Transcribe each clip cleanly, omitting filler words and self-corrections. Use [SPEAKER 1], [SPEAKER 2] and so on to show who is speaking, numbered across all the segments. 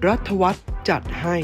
[SPEAKER 1] รัฐวัฒน์จัดให้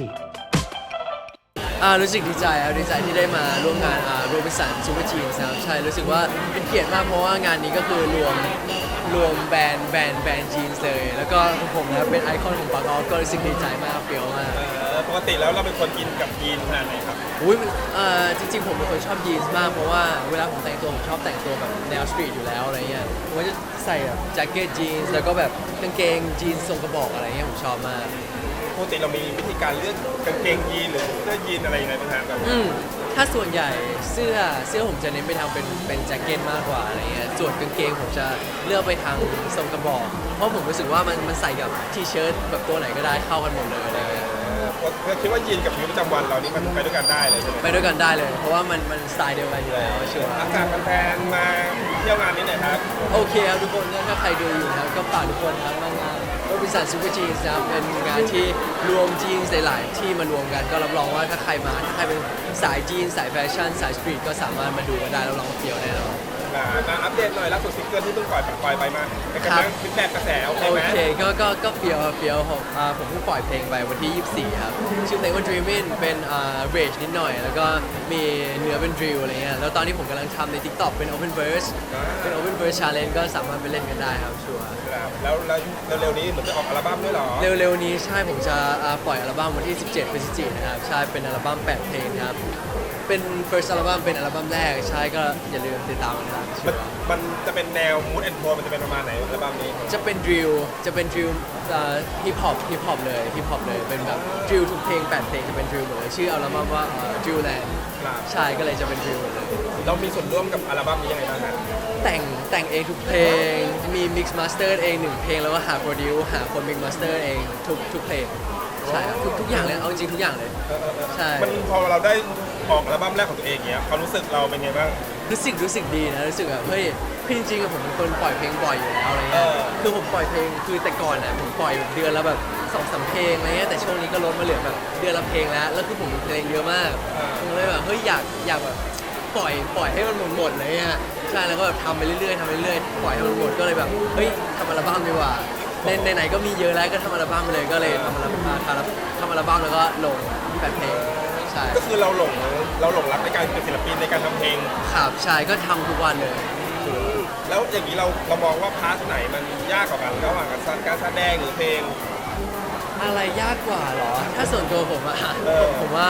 [SPEAKER 2] รู้สึกดีใจครับดีใจที่ได้มาร่วมงานโรบินสันซูเปอร์จีนส์ครับใช่รู้สึกว่าเป็นเกียรติมากเพราะว่างานนี้ก็คือรวมแบรนด์จีนส์เลยแล้วก็ผมนะครับเป็นไอคอนของปากออฟก็รู้สึกดีใจมากเปรี้ยวมาก
[SPEAKER 3] ปกติแล้วเราเป็นคนกินกับยีนขนาดไหนครับ
[SPEAKER 2] อุ้ยจริงๆผมเป็นคนชอบยีนส์มากเพราะว่าเวลาผมแต่งตัวผมชอบแต่งตัวแบบแนวสตรีทอยู่แล้วอะไรเงี้ยผมก็จะใส่แบบแจ็คเก็ตยีนส์แล้วก็แบบกางเกงยีนส์ทรงกระบอกอะไรเงี้ยผมชอบมาก
[SPEAKER 3] ปกติเรามีวิธีการเลือกกางเกงยีนหรือเสื้อยีนอะไรยังไงบ้างครับ
[SPEAKER 2] ถ้าส่วนใหญ่เสื้อผมจะเน้นไปทางเป็นแจ็คเก็ตมากกว่าอะไรเงี้ยส่วนกางเกงผมจะเลือกไปทางทรงกระบอกเพราะผมรู้สึกว่ามันใส่กับทีเชิ้ตแบบตัวไหนก็ได้เข้ากันหมดเลยอะไรเงี้ย
[SPEAKER 3] คิดว่ายีนกับชีวิตประจำวันเรานี่มันไปด้วยกันได้เลยใช่ไหม
[SPEAKER 2] ไปด้วยกันได้เลยเพราะว่ามันสไตล์เดียวกันอยู่แล้วเชื่อ
[SPEAKER 3] อากาศแฟนๆมาเที่ยวงานนี้หน่อยครับ
[SPEAKER 2] โอเคครับทุกคนถ้าใครดูอยู่นะครับก็ฝากทุกคนทั้งมางานโรบินสันซูเปอร์จีนส์นะครับเป็นงานที่รวมจีนส์หลายๆที่มารวมกันก็รับรองว่าถ้าใครเป็นสายจีนสายแฟชั่นสายสตรีทก็สามารถมาดูกันได้รับรองว่าเฟี้ยวแน่นอน
[SPEAKER 3] มาอัปเดตหน่อยล่าสุดซิงเกิลที่เพิ่งปล่อยไปมาเป็นกำลังฟีดแบ็กกระแสโอเคไหม
[SPEAKER 2] โอเคก็เฟี้ยวผมเพิ่งปล่อยเพลงไปวันที่ 24 ครับชื่อเพลงว่า Dreamin' เป็นเรจนิดหน่อยแล้วก็มีเนื้อเป็นดริลอะไรเงี้ยแล้วตอนนี้ผมกำลังทำใน TikTok เป็น Open Verse เป็น Open Verse Challenge ก็สามารถไปเล่นกันได้ครับชัวร์
[SPEAKER 3] แล้วเร็วๆนี้เหมือนจะออกอัลบั้มด้วยหรอ
[SPEAKER 2] เร็วๆนี้ใช่ผมจะปล่อยอัลบั้มวันที่ 17 พฤศจิกายนนะครับใช่เป็นอัลบั้ม 8 เพลงครับเป็น first อัลบั้มเป็นอัลบั้มแรกใช่ก็อย่าลืมติดตามกันนะครับ
[SPEAKER 3] มันจะเป็นแนว mood and tone มันจะเป็นประมาณไหนอัลบั้มนี้
[SPEAKER 2] จะเป็นดริลฮิปฮอปเลยเป็นแบบดริลทุกเพลง8 เพลงจะเป็นดริลหมดเลยชื่ออัลบั้มว่าดริลแลนด์ใช่ก็เลยจะเป็นดริลหมดเลย
[SPEAKER 3] เรามีส่วนร่วมกับอัลบั้มนี้ยังไงบ้างครับ
[SPEAKER 2] แต่งเองทุกเพลงมี mix master เอง1เพลงแล้วก็หา produce หาคน mix master เองทุกเพลงใช่ทุกอย่างเลยเอาจริงทุกอย่างเลยใช่
[SPEAKER 3] มันพอเราได้ออกอัลบั้มแรกของตัวเองเงี้ยความรู้สึกเราเป็นไงบ้าง
[SPEAKER 2] รู้สึกดีนะรู้สึกแบบเฮ้ยคือจริงๆผมเป็นคนปล่อยเพลงบ่อยอยู่แล้วอะไรเงี้ยคือผมปล่อยเพลงคือแต่ก่อนนะผมปล่อยเดือนละแบบ2-3 เพลงอะไรเงี้ยแต่ช่วงนี้ก็ลดมาเหลือแบบเดือนละเพลงแล้วคือผมมีเพลงเยอะมากผมเลยแบบเฮ้ยอยากแบบปล่อยให้มันหมดเลยอ่ะใช่แล้วก็แบบทำไปเรื่อยปล่อยให้มันหมดก็เลยแบบเฮ้ยทำอัลบั้มดีกว่าไหนก็มีเยอะแล้วก็ทำอัลบั้มไปเลยก็เลยทำอัลบั้มแล้วก็ลง8 เพลง
[SPEAKER 3] ก็คือเราหลงรักในการเป็นศิลปินในการทำเพลง
[SPEAKER 2] ครับใช่ก็ทำทุกวันเลย
[SPEAKER 3] แล้วอย่างนี้เรามองว่าพาร์ทไหนมันยากกว่ากันระหว่างการแสดงหรือเพลง
[SPEAKER 2] อะไรยากกว่าหรอถ้าส่วนตัวผมอะผมว่า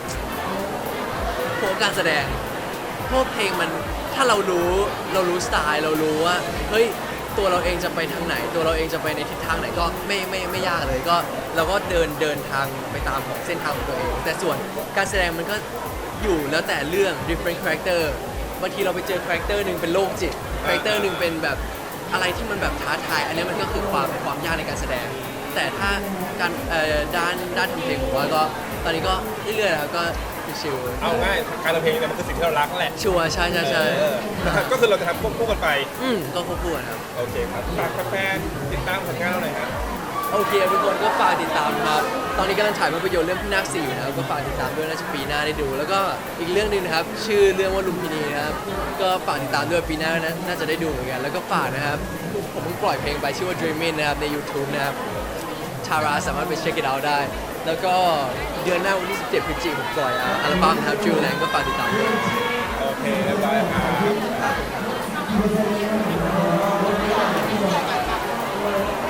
[SPEAKER 2] การแสดงเพราะเพลงมันถ้าเรารู้สไตล์เรารู้ว่าเฮ้ยตัวเราเองจะไปทางไหนตัวเราเองจะไปในทิศทางไหนก็ไม่ยากเลยก็เราก็เดินทางไปตามของเส้นทางของตัวเองแต่ส่วนการแสดงมันก็อยู่แล้วแต่เรื่อง different character บางทีเราไปเจอ character นึงเป็นโรคจิต character นึงเป็นแบบอะไรที่มันแบบท้าทายอันนี้มันก็คือความยากในการแสดงแต่ถ้าการด้านทำเพลงผมว่าก็ตอนนี้ก็เรื่อยๆครับก็ชิว
[SPEAKER 3] เอาง่ายการทำเพลงเนี่ยมันคือสิ่งที่เรารักแหละ
[SPEAKER 2] ชัวร์ใช่
[SPEAKER 3] ก็คือเราจะทำควบคู่กันไป
[SPEAKER 2] ก็ควบคู่กันครับ
[SPEAKER 3] โอเคครับฝากแฟนติดตามผลงานเราหน่อยครับ
[SPEAKER 2] โอเคทุกคนก็ฝากติดตามครับตอนนี้กำลังถ่ายภาพยนตร์เรื่องพี่นาค 4อยู่นะครับก็ฝากติดตามด้วยน่าจะปีหน้าได้ดูแล้วก็อีกเรื่องนึงนะครับชื่อเรื่องว่าลุมพินีนะครับก็ฝากติดตามด้วยปีหน้าน่าจะได้ดูเหมือนกันแล้วก็ฝากนะครับผมเพิ่งปล่อยเพลงไปชื่อว่า Dreamin' นะครับใน YouTube นะครับชาราสามารถไปเช็คit out ได้แล้วก็เดือนหน้าวันที่ 17 พฤศจิกายนผมปล่อยอัลบั้มครับ Drill Land ก็ฝากติดตามด้วย
[SPEAKER 3] โอเคเรียบร้อยครับ